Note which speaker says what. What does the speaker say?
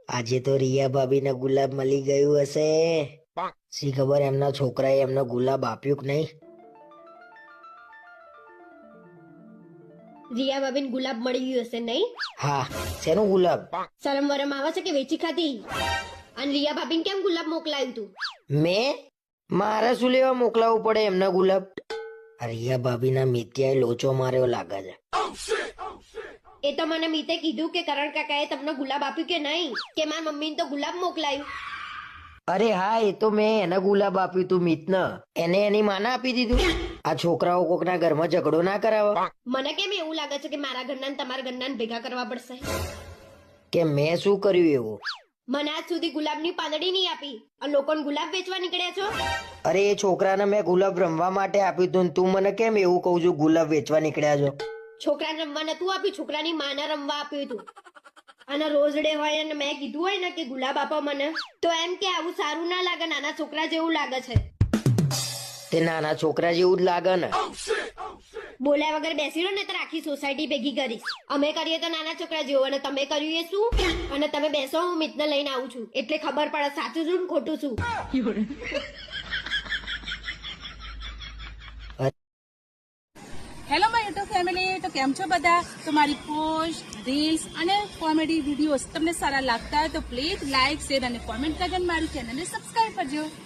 Speaker 1: આજે તો રિયા ભાભીને ગુલાબ મળી ગયું હશે. શી ખબર એમના છોકરાએ એમનો ગુલાબ આપ્યું કે નહીં.
Speaker 2: રિયા ભાભીને ગુલાબ મળી ગયું હશે નહીં?
Speaker 1: હા, શેનું ગુલાબ?
Speaker 2: શરમ વરમ આવે છે કે વેચી ખાધી? અને રિયા ભાભીને કેમ ગુલાબ મોકલાયું તું?
Speaker 1: મેં? મારે શું લેવા મોકલાવવું પડે એમના ગુલાબ? આ રિયા ભાભીના મિત્યાએ લોચો માર્યો લાગે છે.
Speaker 2: એ તો મને મીતે કીધું કે કરણ કાકાએ તમને ગુલાબ આપ્યું કે નહીં, કે મારા મમ્મીને તો ગુલાબ મોકલાયું.
Speaker 1: અરે હા, એ તો મેં એને ગુલાબ આપ્યું તું મિતને. એને એની માને આપી દીધું. આ છોકરાઓ કોકના ઘરમાં ઝઘડો ના કરાવે.
Speaker 2: મને કેમ એવું લાગે છે કે મારા ઘરના ને તમારા ઘરના ને ભેગા કરવા પડશે?
Speaker 1: કે મેં શું કર્યું એવું?
Speaker 2: મને આજ સુધી ગુલાબની પાંદડી નહીં આપી અને લોકોને ગુલાબ વેચવા નીકળ્યા છો.
Speaker 1: અરે એ છોકરાને મેં ગુલાબ રમવા માટે આપ્યું તું ને તું મને કેમ એવું કહું છું ગુલાબ વેચવા નીકળ્યા છો?
Speaker 2: છોકરાને રમવા નતું આપ્યું, છોકરાની માને રમવા આપ્યું હતું. અને રોજ ડે હોય અને મેં કીધું હોય ને કે ગુલાબ આપો મને, તો એમ કે આવું સારું ના લાગે, નાના છોકરા જેવું લાગે છે.
Speaker 1: તે નાના છોકરા જેવું જ લાગે ને.
Speaker 2: બોલ્યા વગર બેસી રહો ને તો આખી સોસાયટી ભેગી કરીશ. અમે કરીએ તો નાના છોકરા જેવું અને તમે કર્યું એ શું? અને તમે બેસો, હું મિતને લઈને આવું છું એટલે ખબર પડે સાચું શું ને ખોટું શું.
Speaker 3: હેલો માય યુટ્યુબ ફેમિલી, તો કેમ છો બધા? તો મારી પોસ્ટ, રીલ્સ અને કોમેડી વિડીયોઝ તમને સારા લાગતા હોય તો પ્લીઝ લાઇક, શેર અને કોમેન્ટ કરીને મારી ચેનલને સબસ્ક્રાઇબ કરજો.